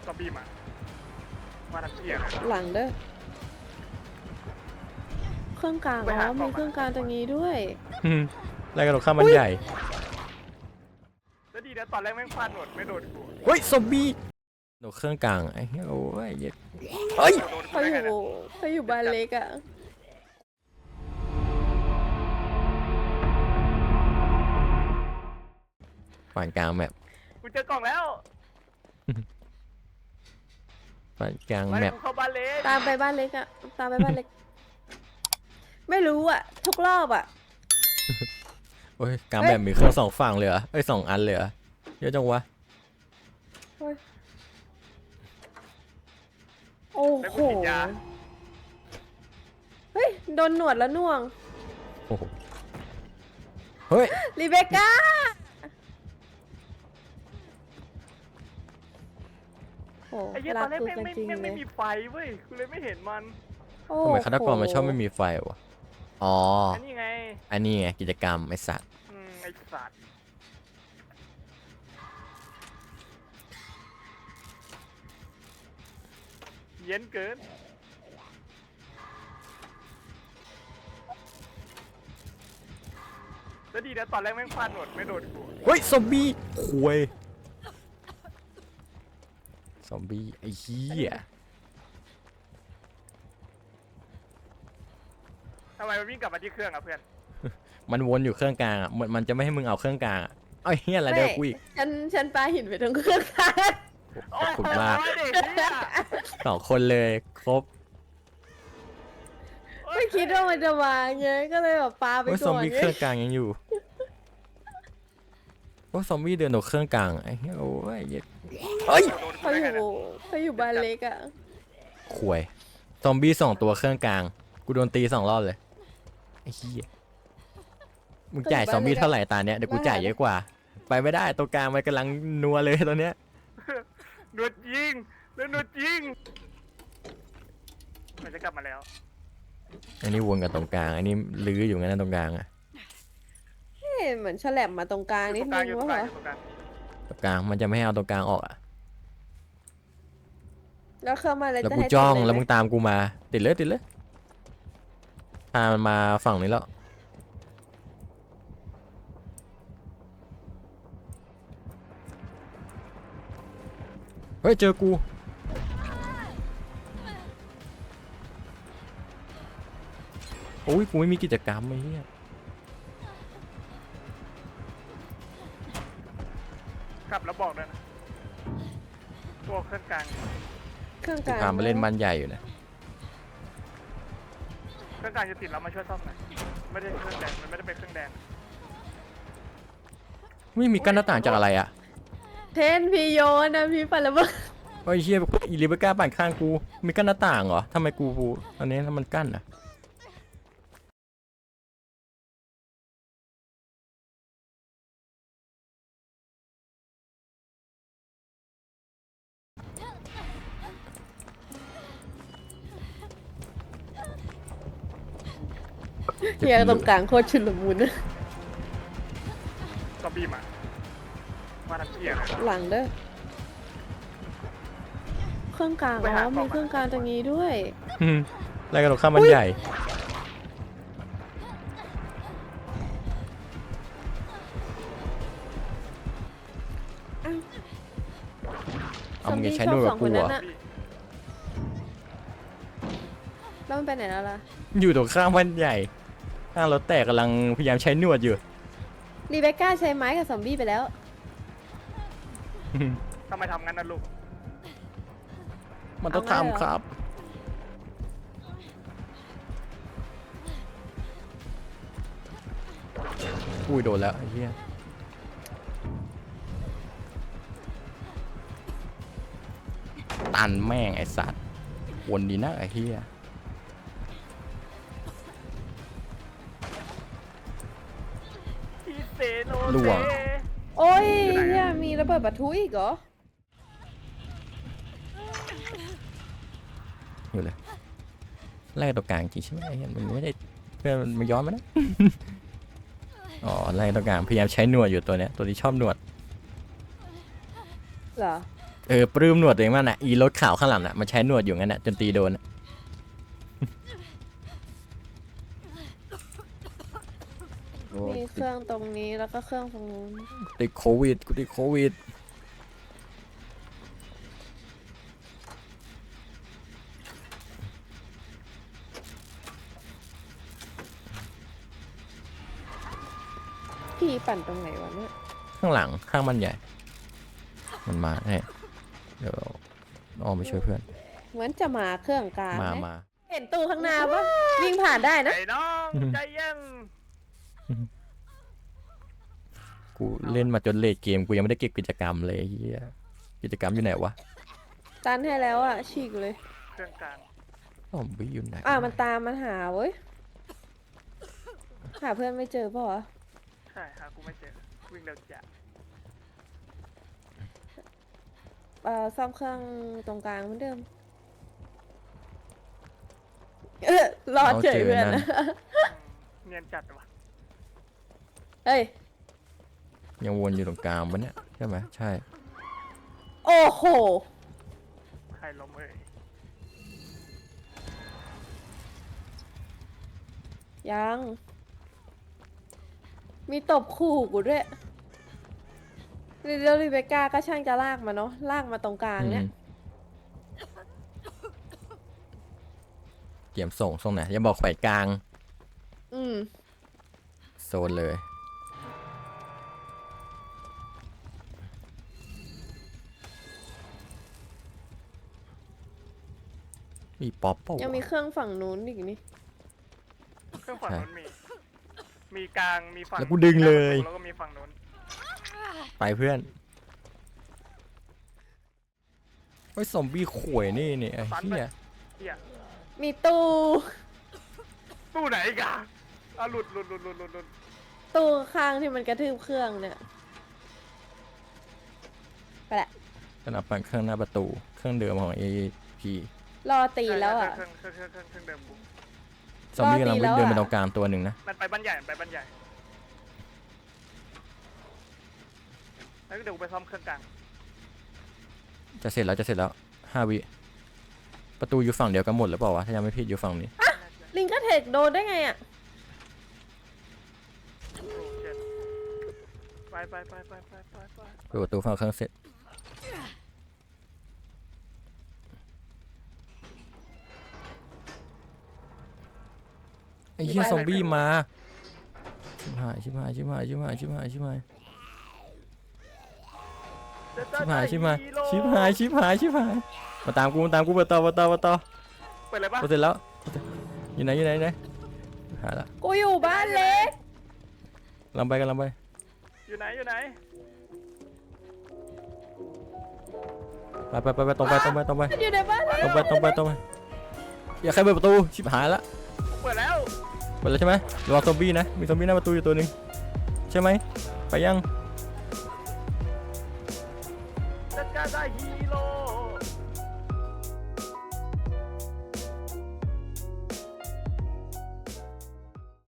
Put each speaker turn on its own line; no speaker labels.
ซอมบี้มาทักเที่ยง
หลังเด้อเครื่องกลางอ๋อมีเครื่องกลางตรงนี้ด้วย
ไล่กระโดดข้ามมันใหญ่
แล้วดีนะตอนแรกแม่งฟาดหนวดไม่โดนกู
เฮ้ยซอมบี้โดดเครื่องกลางไอ้เหี้ยโอ้ยเหี้ยเฮ้ย
โดนกู
เขา
ได้
อ
ไง
ยู่
เนี่ย
เขาอยู่บ้านเล็กอ่ะ
ฝั่งกลางแมป
กูเจอกล่องแล้ว
ฝั่งกลาง
มา
แม
เดี๋ย
ป
วกูเข้าบ้านเล็ก
ตามไปบ้านเล็กอ่ะตามไปบ้านเล็ก ไม่รู้อ่ะ ทุกรอบอ่ะ
โอ้ยกลางแมปมีเครื่อง2ฝั่งเลยเหรอเอ้ย2 อันเลยเหรอเยอะจังวะ
โอ้ยโอ้
แล้ว
โห
กูฉีดยา
เฮ้ยโดนหนวดแล้วน่วง
โอ้โหเฮ้ย
รีเบคก้าโอ้
ไอ้เหี้ยต
รั
อก นแรก
กู
แม่ง
กัน
ไม่
จริง
แม่ง
เล
ไม่
ย
มีไฟเว้ยกูเลยไม่เห็นมัน
โอ้
ทำไมฆาตกรมันชอบไม่
โห
มีไฟวะอ๋อ
อันนี้ไง
อันนี้ไงกิจกรรมไอสัตว์
ไอ้สัตว์เย็นเกินแล้วดีนะตอนแรกแม่งฟาดหนวดไม่โดนกู
เฮ้ยซอมบี้คุยซอมบี้ไอ้เหี้ย
ทำไมมันวิ่งกลับมาที่เครื่องอะเพื่อน
มันวนอยู่เครื่องกลางอ่ะมันจะไม่ให้มึงเอาเครื่องกลางอ่ะเอ้ยเหี้ยอะไรเดี๋ยวกูอีก
ฉันปาหินไปตรงเครื่องกลาง
ขอบคุณมาก
โอ้ยเด็กเนี่ย
2 คนเลยครบ
ไม่คิดว่ามันจะมาไงก็เลยแบบปาไป
โอ้ยซ
ก่
อม
อน
บี้
ไง
เครื่องกลางยังอยู่โอ้ยซอมบี้เดินออกเครื่องกลางไอ้เหี้ยโอ้ยเหี้ยเฮ้ย
โดนกู
เขา
ได้
อ
ไง
ยู่
เนี่ย
เขาอยู่บ้านเล็กอ่ะ
ขวยซอมบี้2 ตัวเครื่องกลางกูโดนตี2 รอบเลยไอ้เหี้ยมึงจ่ายซอมบี้เท่าไหร่ตาเนี้ยเดี๋ยวกูจ่ายเยอะกว่า ไปไม่ได้ตัวกลางมันกำลังนัวเลยตอนเนี้ย
หนวดยิงแล้วหนวดยิงมันจะกลับมาแล้ว
อันนี้วนกับตรงกลางอันนี้ลื้ออยู่งั้นนะตรงกลางอะ
เอ๊ะเหมือนฉลับมาตรงกลาง
อยู่
นิ
ต
ด
รงก
นึ
ลาง
ง
อยู่ตร
ว่าง
ก
เห
ลาง
รอ
อยู่ตรงกลาง
ตรงกลางมันจะไม่ให้เอาตรงกลางออกอะ
แล้วเข้ามาเลย
แล้ว
จะ
กู
ให้
จ้อง
ทำะไร
แล้ว
ไห
มึงตามกูมาติดเลยพามันมาฝั่งนี้แล้วเฮ้ยเจอกูโอ้ยกูไม่มีกิจกรรมไอ้เหี้ย
กลับแล้วบอกด้วยนะพวกเครื่องกลาง
เครื่องก
กู
ลาง
พามาเล่นบ้านใหญ่อยู่นะ
เครื่องกลางจะติดแล้วมาช่วยซ่อมหน่อยไม่ได้เครื่องแดงมันไม่ได้เป็นเครื่องแดง
ไม่มีกั้นหน้าต่างจากอะไรอะ
เทนพี่โยนนะพี่ปันระเบิด
ไอ้เหี้ยอีลิเบก้าปั่นข้างกูมีกั้นหน้าต่างเหรอทำไมกูอันนี้ถ้ามันกั้นอะ
เฮียตรงกลางโคตรชุลมุน
ซอมบี้มาทักเที่ยง
หลังเด้อเครื่องกลางอ๋อมีเครื่องกลางตรงนี้ด้วย
ไล่กระโดดข้ามมันใหญ่เอามึงจะใช้หนวดกับกูเหรอ
แล้วมันไปไหนแล้วล่ะ
อยู่ตรงข้ามมันใหญ่ข้างรถแตกกำลังพยายามใช้หนวดอยู่
รีเบคก้าใช้ไม้กับซอมบี้ไปแล้ว
ทำไมทำงั้นนะลูก
มันต้อง
เอาไงเหรอ
ทำครับอุ้ยโดนแล้วไอ้เหี้ยตันแม่งไอ้สัตว์วนดีนะไอ้เหี้ย
อีเซโน
ล่
เซ
วง
โอ้ย
อยู่ไหนอะ
เฮียมีระเบิดปะทุอีกเหรอ
อยู่เลยไล่ตัวกลางจริงใช่ไหมไอ้เหี้ยมันไม่ได้เพื่อนมันย้อนมานะ อ๋อไล่ตัวกลางพยายามใช้หนวดอยู่ตัวเนี้ยตัวที่ชอบหนวด
เหรอ
ปลื้มหนวดตัวเองมากนะอีรถขาวข้างหลังน่ะมันใช้หนวดอยู่งั้นน่ะจนตีโดนน่ะ
มีเครื่องตรงนี้แล้วก็เครื่องตรงนู้น
ติดโควิดกูติดโควิด
พี่ปั่นตรงไหนวะเนี่ย
ข้างหลังข้างมันใหญ่ มันมาแน่เดี๋ยวอ้อมไปช่วยเพื่อน
เหมือนจะมาเครื่องกลาง
มา
นะ
มา
เห็นตู้ข้างหน้าปะวิ่งผ่านได้นะ
ไอ้น้องใจเย็น
กูเล่นมาจนเลทเกมกูยังไม่ได้เก็บกิจกรรมเลยไอ้เฮียกิจกรรมอยู่ไหนวะ
ตันให้แล้วอ่ะฉีกเลย
เครื่องกลาง
ซอมบี้อยู่ไหน
มันตามมันหาเว้ยหาเพื่อนไม่เจอปะวะ
ใช่หากูไม่เจอวิ่งเร็วจัด
ซ่อมเครื่องตรงกลางเหมือนเดิมรอดเฉยเพื่อนนะ
เนียนจัดว่ะ
เฮ้ย
ยังวนอยู่ตรงกลางปะเนี่ยใช่ไหมใช่
โอ้โห
ใครล้มเอ่ย
ยัง มีตบขู่กูด้วยแล้วรีเบคก้าก็ช่างจะลากมาเนาะลากมาตรงกลางเนี่ย
เตรียมส่งไหนอย่าบอกแขวนกลาง
อืม
โซนเลยมีป๊อปเปล่า
ยังมีเครื่องฝั่งนู้นอีกนี่
เครื่องฝั่งนู้นมีกลางมีฝั่ง
แล้วกูดึงเลย
แล้วก็มีฝั่งนู้น
ไปเพื่อนไอ้ยซอมบี้ข่วยนี่ไอ้เหี้ย
เหี้ย
มีตู้
ตู้ไหนกันหลุด
ตู้ข้างที่มันกระทืบเครื่องเนี่ย ไปละ
ขนาดปั่นเครื่องหน้าประตูเครื่องเดิมของ AP
รอตีแล้วอ่ะ
เครื่องเดิมกู
ซอมบี้กำลัง
รอตีแล้ว
เดินไป
อะ
ตรงกลางตัวหนึ่งนะ
มันไปบ้านใหญ่แล้วเดี๋ยวกูไปซ่อมเครื่องกลาง
จะเสร็จแล้ว5 วิประตูอยู่ฝั่งเดียวกันหมดหรือเปล่าวะถ้ายังไม่ผิดอยู่ฝั่งนี้
ลิงก็เทคโดนได้ไงอ่ะ
โอ้เจ็ดไป
เปิดประตูฝั่งเครื่องเสร็จไอ้เหี้ยซอมบี้มาชิบหายมาตามกูเปิดต่อ
เปิดเลยปะ
เสร็จแล้วอยู่ไหนหาละ
กูอยู่บ้านเล็ก
กำลังไป
อยู่ไหน
ไปตรงไป
อยู่ในบ้านเล็ก
ตรงไปอย่าใครเปิดประตูชิบหายละ
เปิดแล้ว
เปิดแล้วใช่ไหมระวังซอมบี้นะมีซอมบี้หน้าประตูอยู่ตัวหนึ่งใช่ไหมไปยัง
จัดการได้ฮีโร่